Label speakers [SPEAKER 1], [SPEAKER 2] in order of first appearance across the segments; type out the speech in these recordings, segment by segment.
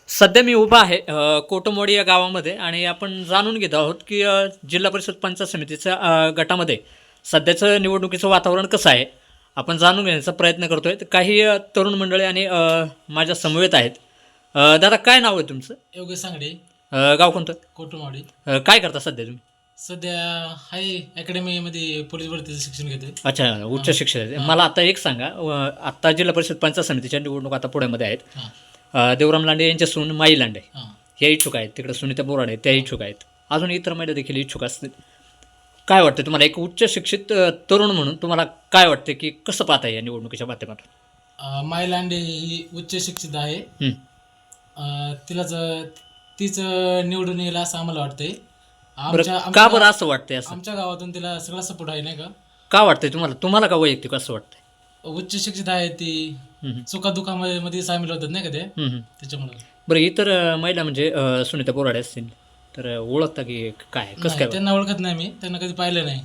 [SPEAKER 1] सध्या मी उभा आहे कोटमवाडी या गावामध्ये आणि आपण जाणून घेत आहोत की जिल्हा परिषद पंचायत समितीच्या गटामध्ये सध्याचं निवडणुकीचं वातावरण कसं आहे. आपण जाणून घेण्याचा प्रयत्न करतोय. तर काही तरुण मंडळी आणि माझ्या समवेत आहेत. दादा काय नाव आहे तुमचं?
[SPEAKER 2] योगेश सांगडे,
[SPEAKER 1] गाव कोणतं?
[SPEAKER 2] कोटमवाडी.
[SPEAKER 1] काय करता सध्या तुम्ही?
[SPEAKER 2] सध्या हाय अकॅडमीमध्ये पोलीस भरतीचं शिक्षण घेतोय.
[SPEAKER 1] अच्छा, उच्च
[SPEAKER 2] हां.
[SPEAKER 1] शिक्षण आहे.
[SPEAKER 2] हां.
[SPEAKER 1] मला आता एक सांगा, आत्ता जिल्हा परिषद पंचायत समितीच्या निवडणूक आता पुण्यामध्ये आहेत.
[SPEAKER 2] हां
[SPEAKER 1] देवराम लांडे यांच्या सून माई लांडे
[SPEAKER 2] हां
[SPEAKER 1] ह्या इच्छुक आहेत. तिकडे सुनीता बोराडे त्या इच्छुक आहेत. अजून इतर महिला देखील इच्छुक असतील. काय वाटतं तुम्हाला, एक उच्च शिक्षित तरुण म्हणून तुम्हाला काय वाटतं की कसं पाहता या निवडणुकीच्या माध्यमातून?
[SPEAKER 2] माय लांडे ही उच्च शिक्षित आहे.
[SPEAKER 1] हं.
[SPEAKER 2] तिलाच तीच निवडून येईल असं आम्हाला वाटतंय.
[SPEAKER 1] बरं, का बरं असं वाटतंय? असं
[SPEAKER 2] आमच्या गावातून तिला सगळा सपोर्ट आहे, नाही का.
[SPEAKER 1] का वाटतंय तुम्हाला? तुम्हाला का वैयक्तिक असं वाटतंय?
[SPEAKER 2] उच्च शिक्षित आहे ती.
[SPEAKER 1] हं,
[SPEAKER 2] सुखादुखामध्ये मध्ये सामील होतात, नाही का ते,
[SPEAKER 1] हं.
[SPEAKER 2] त्याच्यामुळे.
[SPEAKER 1] बरं, इतर महिला म्हणजे सुनीता बोराडे असतील तर ओळखता की काय, कसं
[SPEAKER 2] नाही,
[SPEAKER 1] काय?
[SPEAKER 2] त्यांना ओळखत नाही मी, त्यांना कधी पाहिलं नाही.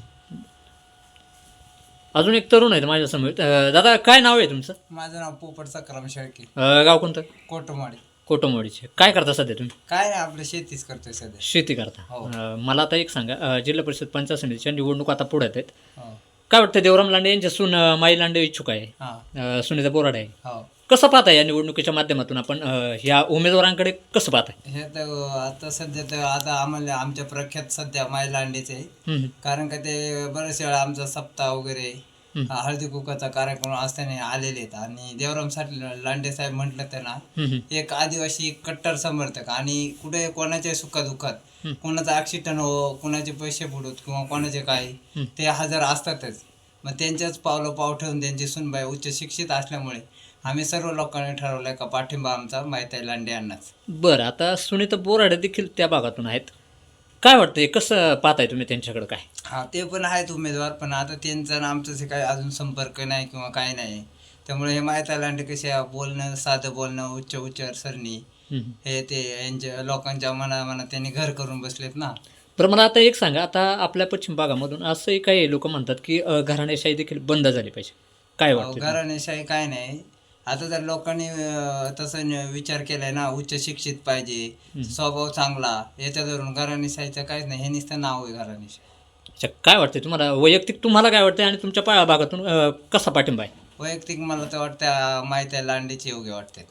[SPEAKER 1] अजून एक तरुण आहे माझ्यासमोर. दादा काय नाव आहे तुमचं?
[SPEAKER 3] माझं नाव पोपट सकाराम शेळके,
[SPEAKER 1] गाव कोणतं?
[SPEAKER 3] कोटमाडी.
[SPEAKER 1] कोटमवाडीचे. काय करता सध्या तुम्ही?
[SPEAKER 3] काय नाही, आपलं शेतीच करतोय सध्या.
[SPEAKER 1] शेती करता.
[SPEAKER 3] हो.
[SPEAKER 1] मला आता एक सांगा, जिल्हा परिषद पंचायत समितीच्या निवडणूक आता पुढे आहेत.
[SPEAKER 3] हो.
[SPEAKER 1] काय वाटतं, देवराम लांडे यांच्या सून माई लांडे इच्छुक आहे,
[SPEAKER 3] हां.
[SPEAKER 1] सुनीता बोराडे आहे.
[SPEAKER 3] हो.
[SPEAKER 1] कसं पाहताय या निवडणुकीच्या माध्यमातून आपण ह्या उमेदवारांकडे कसं पाहताय?
[SPEAKER 3] हे तर आता सध्या तर आता आम्हाला आमच्या प्रख्यात सध्या माय लांडेचे आहे.
[SPEAKER 1] हम्म,
[SPEAKER 3] कारण का ते बरेच वेळा आमचा सप्ताह वगैरे
[SPEAKER 1] हम्म,
[SPEAKER 3] हळदी कुकाचा कार्यक्रम असताना आलेले आहेत. आणि देवरामसाठी लांडे साहेब म्हटलं तर ना,
[SPEAKER 1] हम्म,
[SPEAKER 3] एक आदिवासी कट्टर समर्थक आणि कुठे कोणाच्या सुखादुखात
[SPEAKER 1] हम्म.
[SPEAKER 3] कोणाचा ॲक्सिडेंट हो, कोणाचे पैसे बुडवत किंवा कोणाचे काय,
[SPEAKER 1] हम्म.
[SPEAKER 3] ते हजर असतातच. मग त्यांच्याच पाव ठेवून त्यांची सुनबाई उच्च शिक्षित असल्यामुळे आम्ही सर्व लोकांनी ठरवलं का पाठिंबा आमचा माहिती लांडे यांनाच.
[SPEAKER 1] बरं, आता सुनीता बोराडे देखील त्या भागातून आहेत. काय वाटतंय, कसं पाहताय तुम्ही त्यांच्याकडे? काय
[SPEAKER 3] हा, ते पण आहेत उमेदवार, पण आता त्यांचा आणि आमचं जे काही अजून संपर्क नाही किंवा काय नाही. त्यामुळे हे माहिती लांडे कसे बोलणं, साधं बोलणं, उच्च उच्चारसरणी,
[SPEAKER 1] हम्म.
[SPEAKER 3] हे ते यांच्या लोकांच्या मनात त्यांनी घर करून बसलेत ना.
[SPEAKER 1] बरं, मला आता एक सांगा, आता आपल्या पश्चिम भागामधून असंही काही लोक म्हणतात की घराणेशाही देखील बंद झाली पाहिजे. काय वाटतं तुम्हाला?
[SPEAKER 3] घराणेशाही काय नाही. आता जर लोकांनी तसं विचार केलाय ना, उच्च शिक्षित पाहिजे, स्वभाव चांगला, याच्या धरून घराणेशाहीचं काहीच नाही. हे नुसतं नाव आहे घराणेशाही.
[SPEAKER 1] अच्छा, काय वाटतंय तुम्हाला वैयक्तिक, तुम्हाला काय वाटतंय आणि तुमच्या भागातून कसा पाठिंबा आहे?
[SPEAKER 3] वैयक्तिक मला तर वाटतं माहिती लांडेचे योग्य वाटते.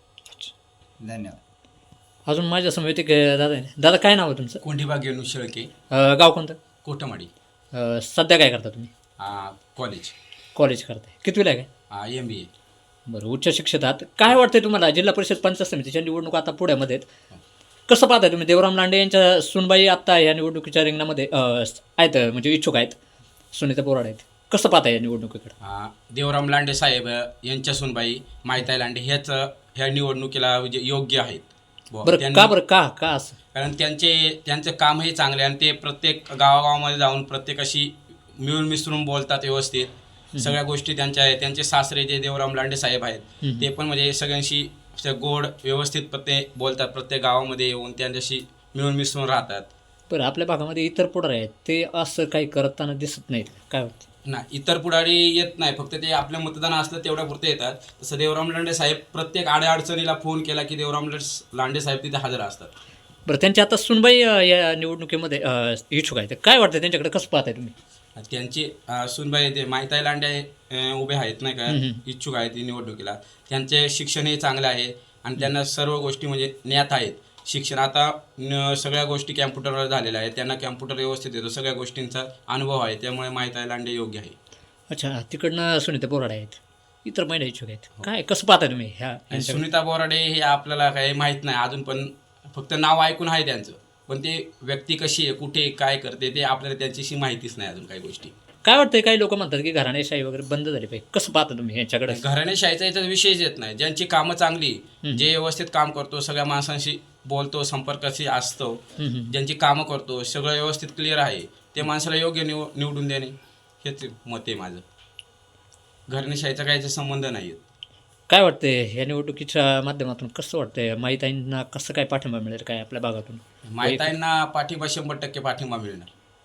[SPEAKER 3] धन्यवाद.
[SPEAKER 1] अजून माझ्या समोर एक दादा आहे. दादा काय नाव आहे तुमचं?
[SPEAKER 4] कोंढीबा गेनू शेळके,
[SPEAKER 1] गाव कोणतं?
[SPEAKER 4] कोटमाडी.
[SPEAKER 1] सध्या काय करता तुम्ही?
[SPEAKER 4] कॉलेज,
[SPEAKER 1] कॉलेज करताय. कितवीला आहे काय?
[SPEAKER 4] MBA.
[SPEAKER 1] बरं, उच्च शिक्षित आहात. काय वाटतंय तुम्हाला, जिल्हा परिषद पंचायत समितीच्या निवडणूक आता पुण्यामध्ये आहेत, कसं पाहताय तुम्ही? देवराम लांडे यांच्या सुनबाई आत्ता या निवडणुकीच्या रिंगणामध्ये आहेत, म्हणजे इच्छुक आहेत. सुनीता बोराडे आहेत. कसं पाहताय या निवडणुकीकडे?
[SPEAKER 4] देवराम लांडे साहेब यांच्या सुनबाई माहिताई लांडे ह्या निवडणुकीला म्हणजे योग्य आहेत.
[SPEAKER 1] बरं, का बरं, का का असं?
[SPEAKER 4] कारण त्यांचं कामही चांगले आणि ते प्रत्येक गावागावामध्ये जाऊन प्रत्येकाशी मिळून मिसळून बोलतात व्यवस्थित. सगळ्या गोष्टी त्यांच्या आहेत. त्यांचे सासरे जे देवराम लांडे साहेब आहेत ते पण म्हणजे सगळ्यांशी गोड व्यवस्थित प्रत्येक बोलतात. प्रत्येक गावामध्ये येऊन त्यांच्याशी मिळून मिसळून राहतात.
[SPEAKER 1] बरं, आपल्या भागामध्ये इतर पुढारी आहेत, ते असं काही करताना दिसत नाहीत. काय वाटतं?
[SPEAKER 4] नाही, इतर पुढारी येत नाही, फक्त ते आपलं मतदान असलं तेवढ्या पुरते येतात. तसं देवराम लांडे साहेब प्रत्येक अडचणीला फोन केला की देवराम लांडे साहेब तिथे हजर असतात.
[SPEAKER 1] बरं, त्यांची आता सुनबाई या निवडणुकीमध्ये इच्छुक आहेत. काय वाटतं त्यांच्याकडे, कसं पाहताय तुम्ही?
[SPEAKER 4] त्यांची सुनबाई ते माहिताई लांडे उभे आहेत नाही का, इच्छुक आहेत ही निवडणुकीला. त्यांचे शिक्षणही चांगले आहे आणि त्यांना सर्व गोष्टी म्हणजे ज्ञात आहेत. शिक्षण आता सगळ्या गोष्टी कॅम्प्युटरवर झालेल्या आहेत. त्यांना कॅम्प्युटर व्यवस्थित येतो, सगळ्या गोष्टींचा अनुभव आहे. त्यामुळे माहिताई लांडे योग्य आहे.
[SPEAKER 1] अच्छा, तिकडनं सुनीता बोराडे आहेत, इतर महिला इच्छुक आहेत. काय, कसं पाहताय तुम्ही ह्या
[SPEAKER 4] आणि
[SPEAKER 1] यांच्याकडे?
[SPEAKER 4] सुनीता बोराडे हे आपल्याला काही माहीत नाही अजून, पण फक्त नाव ऐकून आहे त्यांचं. पण ते व्यक्ती कशी आहे, कुठे काय करते, ते आपल्याला त्यांच्याशी माहितीच नाही अजून काही गोष्टी.
[SPEAKER 1] काय वाटतंय, काही लोक म्हणतात की घराणेशाही वगैरे बंद झाली पाहिजे. कसं पाहता तुम्ही ह्याच्याकडे?
[SPEAKER 4] घराणेशाहीचा याचा विषयच येत नाही. ज्यांची कामं चांगली, जे व्यवस्थित काम करतो, सगळ्या माणसांशी बोलतो, संपर्काशी असतो, ज्यांची कामं करतो, सगळं व्यवस्थित क्लिअर आहे, ते माणसाला योग्य निवडून देणे हेच मत आहे माझं. घराणेशाहीचा काही संबंध नाही.
[SPEAKER 1] काय वाटतंय ह्या निवडणुकीच्या माध्यमातून, कसं वाटतंय माहिताईंना कसं काय पाठिंबा मिळेल काय आपल्या भागातून?
[SPEAKER 4] माहिताईंना पाठिंबा 100% पाठिंबा मिळणार.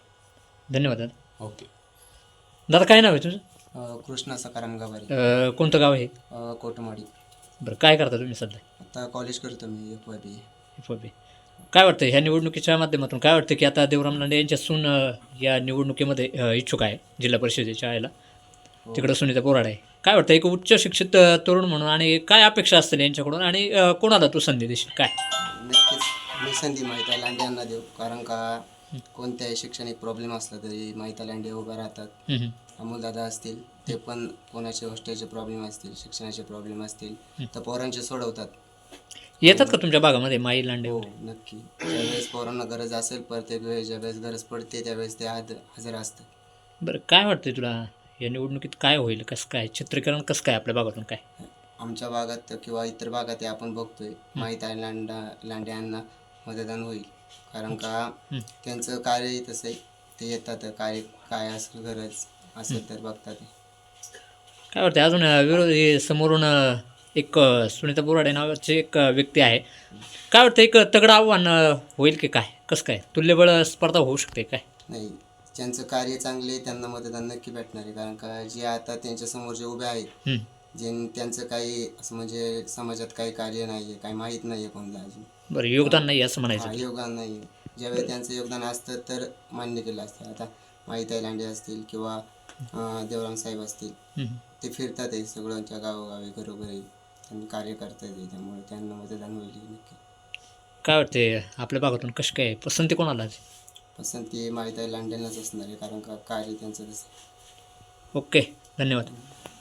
[SPEAKER 1] धन्यवाद दादा.
[SPEAKER 4] ओके.
[SPEAKER 1] दादा काय नाव आहे तुझं?
[SPEAKER 3] कृष्णा सकाराम गवारी,
[SPEAKER 1] कोणतं गाव आहे?
[SPEAKER 3] कोटमाडी.
[SPEAKER 1] बरं, काय करता तुम्ही सध्या?
[SPEAKER 5] आता कॉलेज करतो मी FYB.
[SPEAKER 1] FOB. काय वाटतं ह्या निवडणुकीच्या माध्यमातून काय वाटतं की आता देवराम लांडे यांच्या सून या निवडणुकीमध्ये इच्छुक आहे जिल्हा परिषदेच्या यायला, तिकडं सुनीता बोराडे आहे. काय वाटतं एक उच्च शिक्षित तरुण म्हणून आणि काय अपेक्षा असतील यांच्याकडून आणि कोणाला तू संधी देशील काय?
[SPEAKER 5] नक्कीच मी संधी माहिती लांडे यांना देऊ, कारण का कोणत्याही शैक्षणिक प्रॉब्लेम असला तरी माहिती लांडे उभा राहतात.
[SPEAKER 1] हम्म, हम्म.
[SPEAKER 5] अमोलदादा असतील, ते पण कोणाचे हॉस्टेलचे प्रॉब्लेम असतील, शिक्षणाचे प्रॉब्लेम असतील तर पोरांचे सोडवतात.
[SPEAKER 1] येतात का तुमच्या भागामध्ये माई लांडे?
[SPEAKER 5] हो नक्की. ज्यावेळेस पोरांना गरज असेल प्रत्येक वेळेस ज्यावेळेस गरज पडते त्यावेळेस ते हजर असतात.
[SPEAKER 1] बरं, काय वाटतंय तुला या निवडणुकीत काय होईल, कसं काय चित्रीकरण, कसं काय आपल्या भागातून काय?
[SPEAKER 5] आमच्या भागात किंवा इतर भागात हे आपण बघतोय माहिती लांडे यांना मतदान होईल, कारण का त्यांचं कार्यही तसं आहे. ते येतात, काय असेल गरज असेल तर बघतात.
[SPEAKER 1] काय वाटतं अजून विरोधी समोरून एक सुनीता बोराडे नावाची एक व्यक्ती आहे. काय वाटतं एक तगडं आव्हान होईल की काय, कसं काय तुल्यबळ स्पर्धा होऊ शकते काय?
[SPEAKER 5] नाही, ज्यांचं कार्य चांगले आहे त्यांना मतदान नक्की भेटणार आहे, कारण का जे आता त्यांच्यासमोर जे उभे आहेत
[SPEAKER 1] हम्म.
[SPEAKER 5] त्यांचं काही असं म्हणजे समाजात काही कार्य नाही आहे, काही माहीत नाही आहे कोणाला अजून.
[SPEAKER 1] बरं, योगदान नाही असं म्हणायचं.
[SPEAKER 5] योगदान नाही. ज्यावेळी त्यांचं योगदान असतं तर मान्य केलं असतं. आता माहिती लांडे असतील किंवा देवराम साहेब असतील,
[SPEAKER 1] हम्म.
[SPEAKER 5] ते फिरतात आहे सगळ्यांच्या गावोगावी घरोघरी, त्यांनी कार्य करतात आहे, त्यामुळे त्यांना मतदान होईल नक्की.
[SPEAKER 1] काय वाटते आपल्या भागातून कशी काय पसंती कोणाला आहे?
[SPEAKER 5] पसंती माहिती लांडेंनाच असणार आहे, कारण का कार्य त्यांचं तसं.
[SPEAKER 1] ओके, धन्यवाद.